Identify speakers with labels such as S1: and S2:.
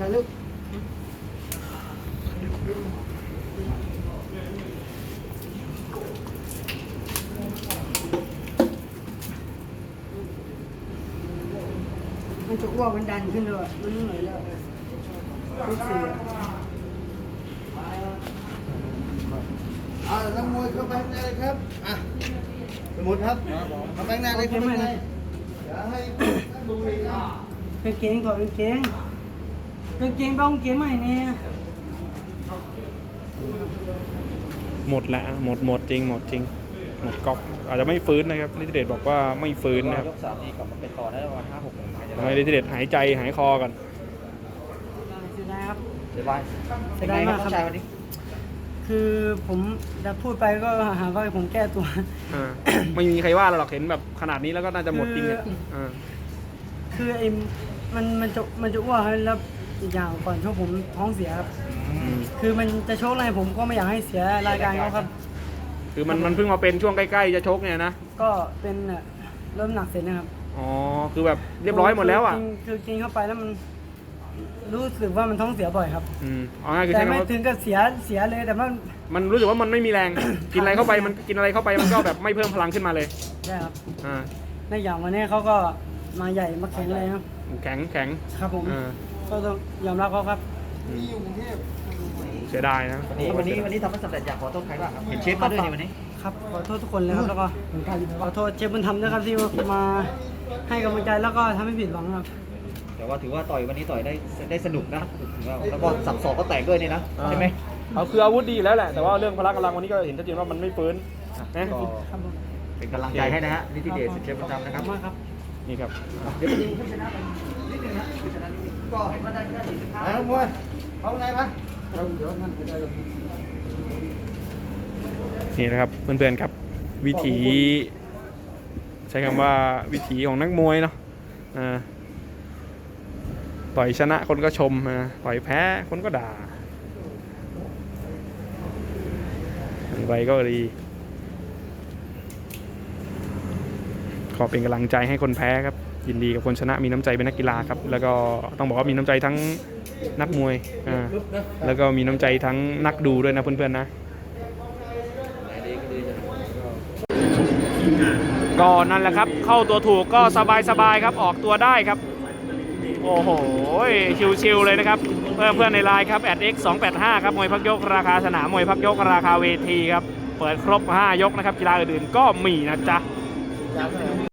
S1: ถ่ายรูปมันจะอ้วกมันดันขึ้นเลยมันเหนื่อยแล้วลูกเสือนักมวยเข้าไปข้างในเลยครับสมุดครับเข้าไปข้างในเลยครับอย่าให้ดูเลยนะเป็นเก่งก่อนเป็นเก่งบ้องเก่งใหม่เนี่ย
S2: หมดแล้วหมดจริงหมดก๊อกอาจจะไม่ฟื้นนะครับฤทธิเดชบอกว่าไม่ฟื้นนะครับ
S3: ยก3นี้กลับมาเป็นต่อได้ประมาณ5-6 โมง
S2: ทำให้ฤทธิเดชหายใจหายคอกัน
S1: เสียดายครับ
S3: เสียดาย
S1: มากครับ
S3: ชายวันนี้
S1: คือผมจะพูดไปก็หาว่าผมแก้ตัว
S2: ไม่มีใครว่าเราหรอกเห็นแบบขนาดนี้แล้วก็น่าจะหมดจริง
S1: คือไอ้มันจะอ้วกแล้วอีกอย่างก่อนชกผมท้องเสียครับคือมันจะชกอะไรผมก็ไม่อยากให้เสียรายการเขาครับ
S2: คือมันเพิ่งมาเป็นช่วงใกล้ๆจะชกเนี่ยนะ
S1: ก็เป็นเริ่มหนักเสร็จนะครับ
S2: อ๋อคือแบบเรียบร้อยหมดแล้วอ่ะ
S1: คือกินเข้าไปแล้วมันรู้สึกว่ามันท้องเสียบ่อยครับ
S2: แต่
S1: ไม่ถึงกับเสียเลยแต่
S2: มันรู้สึกว่ามันไม่มีแรงกินอะไรเข้าไปมันกินอะไรเข้าไปมันก็แบบไม่เพิ่มพลังขึ้นมาเลย
S1: ใช่ครับในอย่างวันนี้เขาก็มาใหญ่มาแข็งเลยครับ
S2: แข็ง
S1: ครับผมก็ต้องยอมรับเขาครับ
S2: เสียดายนะ
S3: วันนี้ทำให้สำเร็จอยากขอโทษใครบ้างครับเห็นเชฟมาด้วยในวันนี้
S1: ครับขอโทษทุกคนเลยครับแล้วก็ขอโทษเชฟบุญธรรมด้วยครับที่มาให้กำลังใจแล้วก็ทำให้ผิดหวังครับ
S3: แต่ว่าถือว่าต่อยวันนี้ต่อยได้สนุกนะแล้วก็สับศอกก็แตกด้วยนี่นะใช่ไหม
S2: เอาคืออาวุธดีแล้วแหละแต่ว่าเรื่องพละกำลังวันนี้ก็เห็นชัดเจนว่ามันไม่ฟื้นนะ
S3: เป็นกำลังใจให้นะฮะนิติเดชเชฟบุญธรรมนะครับ
S2: นี่ครับ
S3: เดี๋ยวดูผู้ชนะนิดนึงนะผู้ชนะนิดนึงก็เห็นว่าได้แค่45
S1: นักมวยเอาไงปะ
S2: นี่นะครับเพื่อนๆครับวิถีใช้คำว่าวิถีของนักมวยเนาะต่อยชนะคนก็ชมต่อยแพ้คนก็ด่าไปก็ดีขอเป็นกำลังใจให้คนแพ้ครับยินดีกับคนชนะมีน้ำใจเป็นนักกีฬาครับแล้วก็ต้องบอกว่ามีน้ำใจทั้งนักมวยแล้วก็มีน้ำใจทั้งนักดูด้วยนะเพื่อนๆนะก็นั่นแหละครับเข้าตัวถูกก็สบายครับออกตัวได้ครับโอ้โหชิวๆเลยนะครับเพื่อนในไลน์ครับ@x285ครับมวยพักยกราคาสนามมวยพักยกราคาเวทีครับเปิดครบ5 ยกนะครับกีฬาอื่นๆก็มีนะจ๊ะ